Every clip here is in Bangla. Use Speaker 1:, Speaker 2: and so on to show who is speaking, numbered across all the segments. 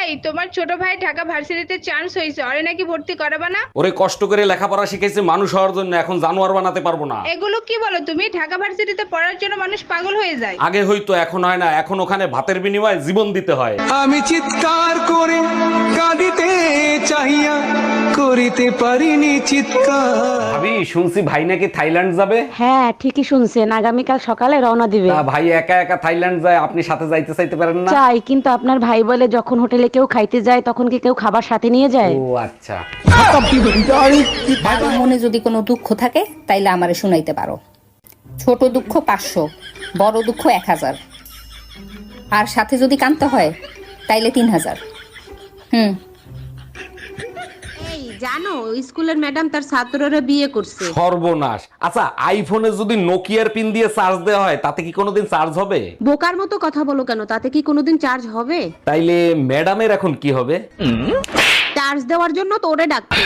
Speaker 1: এই তোমার ছোট ভাই ঢাকা ভার্সিটিতে চান্স হয়েছে, ওরে নাকি ভর্তি করাবা না?
Speaker 2: ওরে কষ্ট করে লেখাপড়া শিখেছে মানুষ হওয়ার জন্য, এখন জানোয়ার বানাতে পারবো না।
Speaker 1: এগুলো কি বলো তুমি? ঢাকা ভার্সিটিতে পড়ার জন্য মানুষ পাগল হয়ে যায়।
Speaker 2: আগে হয়তো, এখন হয় না। এখন ওখানে ভাতের বিনিময়ে জীবন দিতে হয়।
Speaker 3: আমি চিৎকার করে কাঁদিতে চাহিয়া করিতে পারিনি চিৎকার।
Speaker 2: ভাবি, শুনছি ভাই নাকি থাইল্যান্ড যাবে।
Speaker 4: হ্যাঁ ঠিকই শুনছেন, আগামীকাল সকালে রওনা দিবে।
Speaker 2: তা ভাই একা একা থাইল্যান্ড যায়, আপনি সাথে যাইতে চাইতে পারেন না?
Speaker 4: চাই, কিন্তু আপনার ভাই বলে যখন হোটেলে কেউ খাইতে যায় তখন কি কেউ খাবার সাথে নিয়ে যায়?
Speaker 2: ও আচ্ছা।
Speaker 5: বাবার মনে যদি কোনো দুঃখ থাকে তাইলে আমারে শুনাইতে পারো। ছোট দুঃখ 500, বড় দুঃখ 1000, আর সাথে যদি কানতে হয় তাইলে 3000।
Speaker 4: এই জানো, স্কুলের ম্যাডাম তার ছাত্ররা বিয়ে করছে।
Speaker 2: সর্বনাশ। আচ্ছা, আইফোনে যদি নোকিয়ার পিন দিয়ে চার্জ দেওয়া হয় তাতে কি কোনোদিন চার্জ হবে?
Speaker 4: বোকার মতো কথা বলো কেন, তাতে কি কোনোদিন চার্জ হবে?
Speaker 2: তাইলে ম্যাডামের এখন কি হবে?
Speaker 4: চার্জ দেওয়ার জন্য তো ওরে ডাকছে।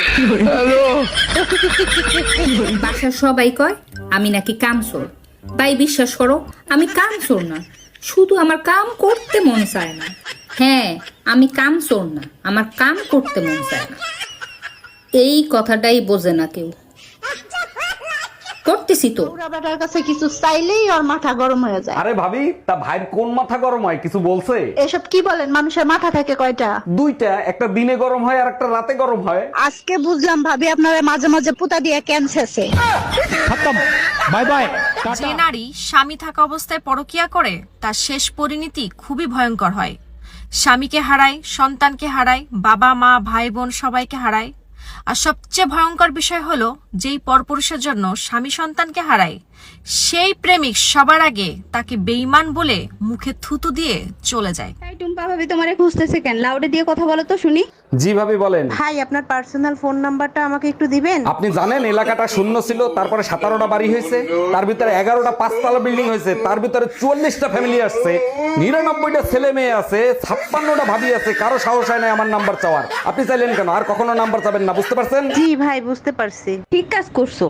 Speaker 5: বাসার সবাই কয় আমি নাকি কামচোর। ভাই বিশ্বাস করো, আমি কামচোর না, শুধু আমার কাম করতে মন চায় না। হ্যাঁ, আমি কামচোর না, আমার কাম করতে মন চায় না। এই কথাটাই বোঝে না কেউ। করতেছি তো।
Speaker 6: বেটার কাছে কিছু চাইলেই ওর মাথা গরম হয়ে যায়।
Speaker 2: আরে ভাবি, তা ভাইয়ের কোন মাথা গরম হয়, কিছু বলছে?
Speaker 6: এসব কি বলেন? মানুষের মাথা থাকে কয়টা?
Speaker 2: দুইটা, একটা দিনে গরম হয় আর একটা রাতে গরম হয়।
Speaker 6: আজকে বুঝলাম ভাবি আপনারা মাঝে মাঝে পুতা দিয়ে ক্যান্সারছে।
Speaker 3: Bye bye.
Speaker 7: যে নারী স্বামী থাকা অবস্থায় পরকিয়া করে তার শেষ পরিণতি খুবই ভয়ঙ্কর হয়। স্বামীকে হারায়, সন্তানকে হারায়, বাবা মা ভাই বোন সবাইকে হারায়। আর সবচেয়ে ভয়ঙ্কর বিষয় হলো, যেই পরপুরুষের জন্য স্বামী সন্তানকে হারায় সেই প্রেমিক সবার আগে তাকে বেঈমান বলে মুখে থুতু দিয়ে চলে যায়।
Speaker 1: তাই টুম্পা ভাবি তোমারে খুঁজতেছে কেন? লাউডে দিয়ে কথা বলো তো শুনি।
Speaker 2: জি ভাবি বলেন।
Speaker 4: ভাই, আপনার পার্সোনাল ফোন নাম্বারটা আমাকে একটু দিবেন?
Speaker 2: আপনি জানেন এলাকাটা শূন্য ছিল, তারপরে 17টা বাড়ি হয়েছে, তার ভিতরে 11টা 5তলা বিল্ডিং হয়েছে, তার ভিতরে 44টা ফ্যামিলি আসছে, 99টা ছেলে মেয়ে আছে, 56টা ভাবি আছে, কারো সাহস হয় না আমার নাম্বার চাওয়ার। আপনি চাইলেন কেন? আর কখনো নাম্বার চাবেন না, বুঝতে পারছেন?
Speaker 4: জি ভাই, বুঝতে পারছি। ঠিক কাজ করছো।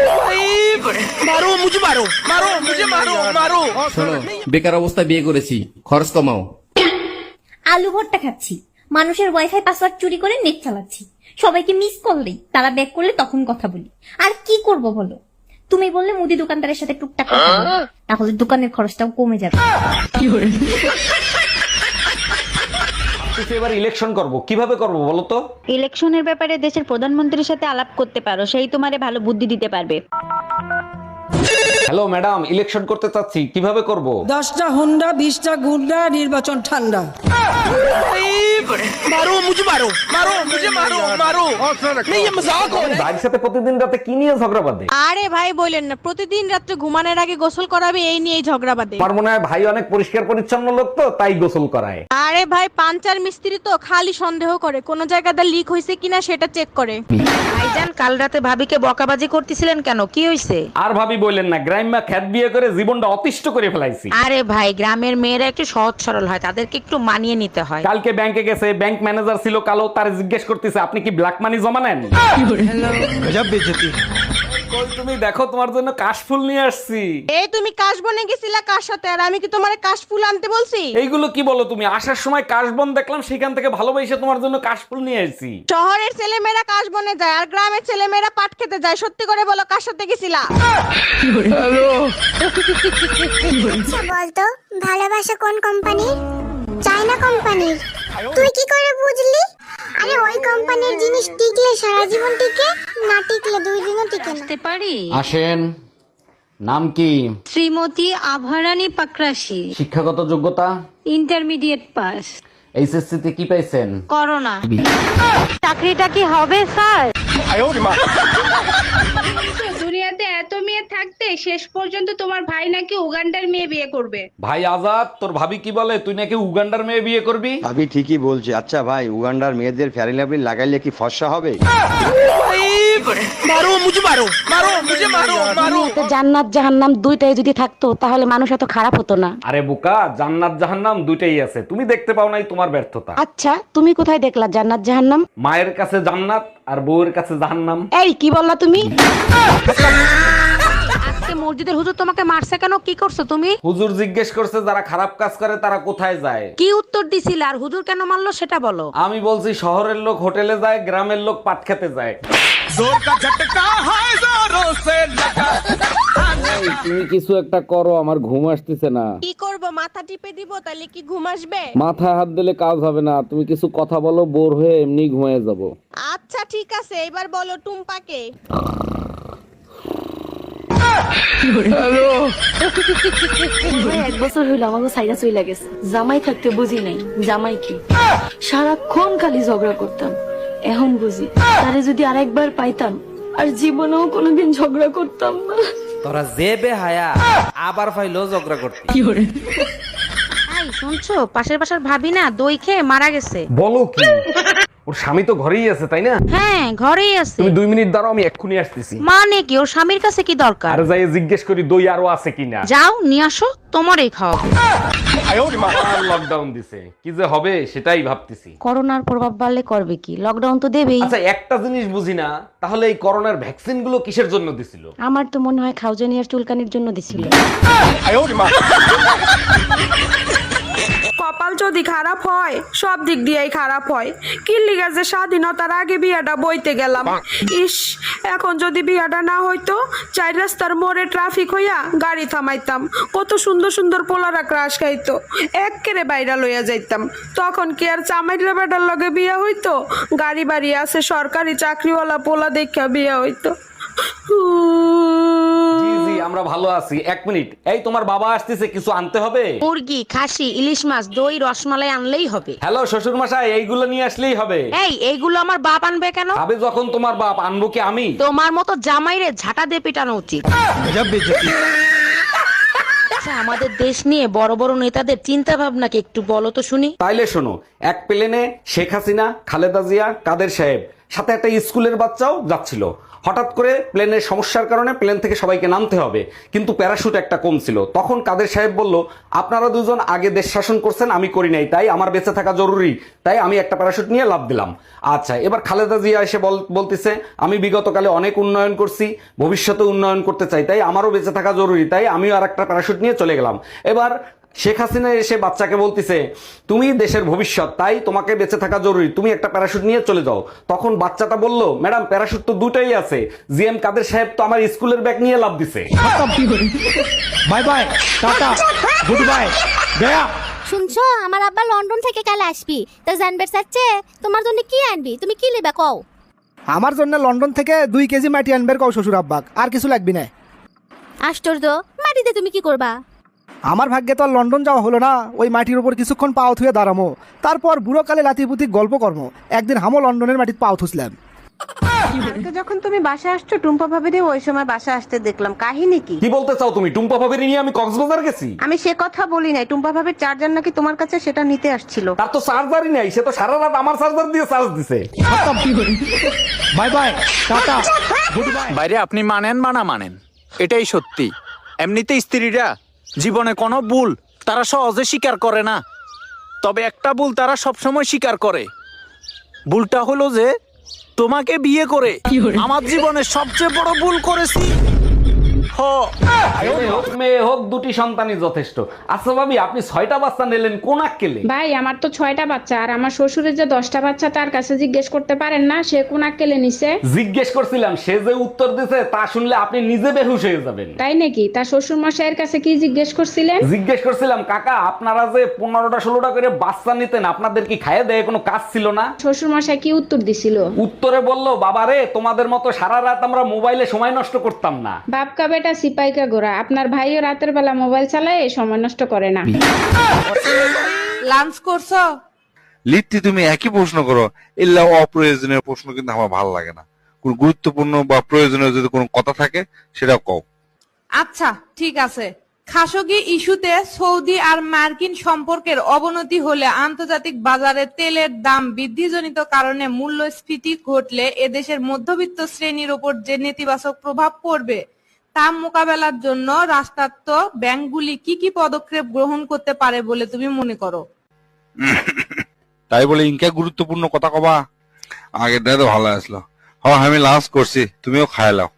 Speaker 8: শোনো, বেকার অবস্থায় বিয়ে করেছি, খরচ কমাও।
Speaker 9: আলু ভর্তা খাচ্ছি, মানুষের ওয়াইফাই পাসওয়ার্ড চুরি করে নেট চালাচ্ছি, সবাইকে মিস কল দেই, তারা ব্যাক করলে তখন কথা বলি। আর কি করব বলো? তুমি বললে মুদি দোকানদারের সাথে টুকটাক কথা বলো, তাহলে দোকানের খরচটাও কমে যাবে।
Speaker 2: এবার ইলেকশন করব, কিভাবে করব বলো তো?
Speaker 6: ইলেকশনের ব্যাপারে দেশের প্রধানমন্ত্রীর সাথে আলাপ করতে পারো, সেই তোমারে ভালো বুদ্ধি দিতে পারবে।
Speaker 2: হ্যালো ম্যাডাম, ইলেকশন করতে চাচ্ছি, কিভাবে করব?
Speaker 10: 10টা হুন্ডা 20টা গুন্ডা, নির্বাচন ঠান্ডা।
Speaker 2: ভাইয়ের সাথে প্রতিদিন রাতে কি নিয়ে ঝগড়া বাঁধে?
Speaker 4: আরে ভাই বলেন না, প্রতিদিন রাত্রে ঘুমানোর আগে গোসল করাবে, এই নিয়েই ঝগড়া বাঁধে।
Speaker 2: আমার মনে হয় ভাই অনেক পরিষ্কার পরিচ্ছন্ন লোক, তো তাই গোসল করায়।
Speaker 4: আরে ভাই, পাঞ্চার মিস্ত্রি তো খালি সন্দেহ করে কোন জায়গাটা লিক হয়েছে কিনা সেটা চেক করে। ভাইজান, কাল রাতে ভাবিকে বকাবাজি করতেছিলেন কেন? কি হয়েছে?
Speaker 2: আর ভাবি বললেন না, গ্রাম্যা খ্যাত বিয়ে করে জীবনটা অতিষ্ঠ করে ফেলাইছি।
Speaker 4: আরে ভাই, গ্রামের মেয়েরা একটু সহজ সরল হয়, তাদেরকে একটু মানিয়ে নিতে হয়।
Speaker 2: কালকে ব্যাংকে গেছে, ব্যাংক ম্যানেজার ছিল কালো, তার জিজ্ঞেস করতেছে আপনি কি ব্ল্যাক মানি জমা নেন?
Speaker 3: গজব বেজতি।
Speaker 2: কই তুমি দেখো, তোমার জন্য কাশফুল নিয়ে আসছি।
Speaker 4: এই তুমি কাশ বনে গেছিলা কার সাথে? আর আমি কি তোমার কাশফুল আনতে বলছি?
Speaker 2: এইগুলো কি বলো তুমি? আসার সময় কাশবন দেখলাম, সেখান থেকে ভালোবেসে তোমার জন্য কাশফুল নিয়ে আসছি।
Speaker 4: শহরের ছেলেমেয়েরা কাশ বনে যায় আর গ্রামের ছেলেমেয়েরা পাট খেতে যায়। সত্যি করে বলো, কার সাথে গেছিলা?
Speaker 9: বলতো ভালোবাসা কোন কোম্পানির? চায়না কোম্পানির। তুই কি করে বুঝলি? আরে ওই কোম্পানির জিনিস টিকলে সারা জীবন টিকে, না টিকলে 2 দিনও টিকে না।
Speaker 4: পারি।
Speaker 2: আসেন। নাম কি?
Speaker 4: শ্রীমতী আভারানী পাকরাশি।
Speaker 2: শিক্ষাগত যোগ্যতা?
Speaker 4: Intermediate pass.
Speaker 2: এইচএসসি তে কি পাইছেন?
Speaker 4: করোনা। চাকরিটা কি হবে স্যার?
Speaker 1: দুনিয়াতে এত মেয়ে থাকতে শেষ পর্যন্ত তোমার ভাই নাকি উগান্ডার মেয়ে বিয়ে করবে।
Speaker 2: ভাই আজাদ, তোর ভাবি কি বলে, তুই নাকি উগান্ডার মেয়ে বিয়ে করবি?
Speaker 11: ভাবি ঠিকই বলছে। আচ্ছা ভাই, উগান্ডার মেয়েদের ফেয়ারিন লাভলি লাগাইলে কি ফর্সা হবে?
Speaker 4: জান্নাত জাহান্নাম দুইটাই যদি থাকতো তাহলে মানুষ এত খারাপ হতো না।
Speaker 2: আরে বোকা, জান্নাত জাহান্নাম দুইটাই আছে, তুমি দেখতে পাও নাই, তোমার ব্যর্থতা।
Speaker 4: আচ্ছা, তুমি কোথায় দেখলা জান্নাত জাহান্নাম?
Speaker 2: মায়ের কাছে জান্নাত আর বউয়ের কাছে জাহান্নাম।
Speaker 4: এই কি বললা তুমি? আজকে মসজিদের হুজুর তোমাকে মারছে কেন? কি করছো তুমি?
Speaker 2: হুজুর জিজ্ঞেস করছে যারা খারাপ কাজ করে তারা কোথায় যায়।
Speaker 4: কি উত্তর দিছিলে? আর হুজুর কেন মারলো সেটা বলো।
Speaker 2: আমি বলছি শহরের লোক হোটেলে যায়, গ্রামের লোক পাট খেতে যায়। এই, তুমি কিছু একটা করো, আমার ঘুম আসতেছে না।
Speaker 4: কি করব? মাথা টিপে দিব তাহলে কি ঘুম আসবে?
Speaker 2: মাথায় হাত দিলে কাজ হবে না, তুমি কিছু কথা বলো, বোর হয়ে এমনি ঘুমিয়ে যাব।
Speaker 4: আচ্ছা ঠিক আছে, এবার বলো টুম্পাকে।
Speaker 9: এক বছর হইলো আমাকে সাইরা চইলা গেছে। জামাই থাকতে বুঝি নাই জামাই কি, সারাক্ষণ খালি ঝগড়া করতাম। এখন বুঝি তারে যদি আরেকবার পাইতাম আর জীবনেও কোনোদিন ঝগড়া করতাম না।
Speaker 8: তোরা যে বেহায়া আবার ফাইলো ঝগড়া করতে।
Speaker 4: এই শুনছো, পাশের বাসার ভাবি না দই খেয়ে মারা গেছে।
Speaker 2: বলো কি? ওর স্বামী তো ঘরেই আছে, তাই না?
Speaker 4: হ্যাঁ ঘরেই আছে।
Speaker 2: তুমি 2 মিনিট দাঁড়াও, আমি এক্ষুনি আসতেছি।
Speaker 4: মানে কি, ওর স্বামীর কাছে কি দরকার?
Speaker 2: আর যাই জিজ্ঞেস করি দই আরো আছে কিনা।
Speaker 4: যাও নিয়ে আসো, তোমারই খাওয়াবো।
Speaker 2: লকডাউন দিছে, কি যে হবে সেটাই ভাবতেছি।
Speaker 4: করোনার প্রভাব বাড়লে করবে কি, লকডাউন তো দেবেই।
Speaker 2: আচ্ছা একটা জিনিস বুঝি না, তাহলে এই করোনার ভ্যাকসিন গুলো কিসের জন্য দিছিল?
Speaker 4: আমার তো মনে হয় খাউজানিয়ার চুলকানির জন্য দিছিল।
Speaker 1: কপাল যদি খারাপ হয় সব দিক দিয়েই খারাপ হয়। কি লিগা যে স্বাধীনতার আগে বিয়াটা বইতে গেলাম। ইস, এখন যদি বিয়াটা না হইতো, 4 রাস্তার মোড়ে ট্রাফিক হইয়া গাড়ি থামাইতাম, কত সুন্দর সুন্দর পোলারা ক্রাশ খাইতো, এক্কেরে বাইরা লইয়া যাইতাম। তখন কি আর চামাইরা বেটার লগে বিয়া হইতো? গাড়ি বাড়ি আছে, সরকারি চাকরিওয়ালা পোলা দেখা বিয়া হইতো।
Speaker 2: জি জি আমরা ভালো আছি। 1 মিনিট, এই তোমার বাবা আসতেছে, কিছু আনতে হবে?
Speaker 4: মুরগি, খাসি, ইলিশ মাছ, দই, রসমালাই আনলেই হবে।
Speaker 2: হ্যালো শ্বশুর মশাই, এইগুলো নিয়ে আসলেই হবে।
Speaker 4: এই এইগুলো আমার বাপ আনবে কেন?
Speaker 2: আবে যখন তোমার বাপ, আনবো কি আমি?
Speaker 4: তোমার মতো জামাইরে ঝাঁটা দিয়ে পিটানো উচিত।
Speaker 3: गजब बेइज्जती।
Speaker 4: আচ্ছা, আমাদের দেশ নিয়ে বড় বড় নেতাদের চিন্তা ভাবনা কি একটু বলো তো শুনি।
Speaker 2: তাইলে শোনো, এক প্লেনে শেখ হাসিনা, খালেদা জিয়া, কাদের সাহেব, সাথে একটা স্কুলের বাচ্চাও যাচ্ছিল। হঠাৎ করে প্লেনের সমস্যার কারণে প্লেন থেকে সবাইকে নামতে হবে, কিন্তু প্যারাশুট একটা কম ছিল। তখন কাদের সাহেব বলল, আপনারা দুজন আগে দেশ শাসন করছেন, আমি করি নাই, তাই আমার বেঁচে থাকা জরুরি, তাই আমি একটা প্যারাশুট নিয়ে লাফ দিলাম। আচ্ছা, এবার খালেদা জিয়া এসে বলতেছে, আমি বিগতকালে অনেক উন্নয়ন করছি, ভবিষ্যতে উন্নয়ন করতে চাই, তাই আমারও বেঁচে থাকা জরুরি, তাই আমিও আর একটা প্যারাশুট নিয়ে চলে গেলাম। এবার শেখ হাসিনা এসে বাচ্চাকে বলতেছে, তুমি দেশের ভবিষ্যৎ, তাই তোমাকে বেঁচে থাকা জরুরি, তুমি একটা প্যারাশুট নিয়ে চলে যাও। তখন বাচ্চাটা বলল, ম্যাডাম প্যারাশুট তো দুটাই আছে, জিএম কাদের সাহেব তো আমার স্কুলের ব্যাগ নিয়ে লাফ দিছে।
Speaker 3: Bye bye tata good bye गया।
Speaker 9: শুনছো, আমার আব্বা লন্ডন থেকে কাল আসবি, তো জানবে চাচ্ছে তোমার জন্য কি আনবি, তুমি কি নেবে কও?
Speaker 3: আমার জন্য লন্ডন থেকে 2 কেজি মাটি আনবার কও শ্বশুর আব্বাক, আর কিছু লাগবে না।
Speaker 9: আশ্চর্য, মাটিতে তুমি কি করবা?
Speaker 3: আমার ভাগ্যে তো আর লন্ডন যাওয়া হলো না, ওই মাটির উপর কিছুক্ষণ পাও থুয়ে দাঁড়ামো, তারপর বুড়ো কালে লাতিপুতি গল্প কর্ম। একদিন হামো লন্ডনের মাটিতে পাও থুসলাম।
Speaker 4: যখন তুমি বাসা আসছো, টুম্পা ভাবিরে ওই সময় বাসা আসতে দেখলাম, কাহিনী কি?
Speaker 2: কি বলতে চাও তুমি? টুম্পা ভাবির নিয়ে আমি কক্সবাজার গেছি?
Speaker 4: আমি সে কথা বলি নাই, টুম্পা ভাবির চার্জার নাকি তোমার কাছে, সেটা নিতে আসছিল।
Speaker 2: তার তো চার্জারই নাই, সে তো সারা রাত আমার চার্জার দিয়ে চার্জ দিছে।
Speaker 3: Bye bye tata good bye.
Speaker 12: বাইরে আপনি মানেন বা না মানেন, এটাই সত্যি। এমনিতে স্ত্রীরা জীবনে কোনো ভুল তারা সহজে স্বীকার করে না, তবে একটা ভুল তারা সবসময় স্বীকার করে। ভুলটা হলো যে তোমাকে বিয়ে করে আমার জীবনে সবচেয়ে বড় ভুল করেছি।
Speaker 2: ছেলে হোক মেয়ে হোক, 2টি সন্তানই যথেষ্ট। আচ্ছা ভাবি, আপনি 6টা বাচ্চা নিলেন, কোন আক্কেলে?
Speaker 1: ভাই আমার তো 6টা বাচ্চা, আর আমার শ্বশুরের যে 10টা বাচ্চা, তার কাছে জিজ্ঞেস করতে পারেন না সে কোন আক্কেলে নিছে?
Speaker 2: জিজ্ঞেস করছিলাম, সে যে উত্তর দিছে তা শুনলে আপনি নিজে বেহুশ হয়ে যাবেন।
Speaker 1: তাই নাকি? তার শ্বশুর মশাইয়ের কাছে কি জিজ্ঞেস করছিলেন?
Speaker 2: জিজ্ঞেস করছিলাম, কাকা আপনারা যে 15টা 16টা করে বাচ্চা নিতেন, আপনাদের কি খাইয়ে দেয় কোনো কাজ ছিল না?
Speaker 1: শ্বশুর মশাই কি উত্তর দিছিল?
Speaker 2: উত্তরে বলল, বাবারে তোমাদের মতো সারা রাত আমরা মোবাইলে সময় নষ্ট করতাম না।
Speaker 1: বাপকা বেটা সিপাইকা গোরা, আপনার ভাইও রাতের বেলা মোবাইল চালায়, সময় নষ্ট করে না।
Speaker 4: লাঞ্চ করছো?
Speaker 13: লিট্টি তুমি একই প্রশ্ন করো, এগুলা অপ্রয়োজনীয় প্রশ্ন কিন্তু আমার ভালো লাগে না। কোন গুরুত্বপূর্ণ বা প্রয়োজনীয় যদি কোনো কথা থাকে সেটা কও।
Speaker 4: আচ্ছা ঠিক আছে। খাশোগি ইস্যুতে সৌদি আর মার্কিন সম্পর্কের অবনতি হলে আন্তর্জাতিক বাজারে তেলের দাম বৃদ্ধিজনিত কারণে মূল্যস্ফীতি ঘটলে এদেশের মধ্যবিত্ত শ্রেণীর উপর যে নেতিবাচক প্রভাব পড়বে তা মোকাবেলার জন্য রাষ্ট্রায়ত্ত ব্যাংকগুলি কি কি পদক্ষেপ গ্রহণ করতে পারে বলে তুমি মনে করো?
Speaker 13: তাই বলে ইনকা গুরুত্বপূর্ণ কথা কবা? আগেরটাই তো ভালো আসলো। আমি লাঞ্চ করছি, তুমিও খাই লাও।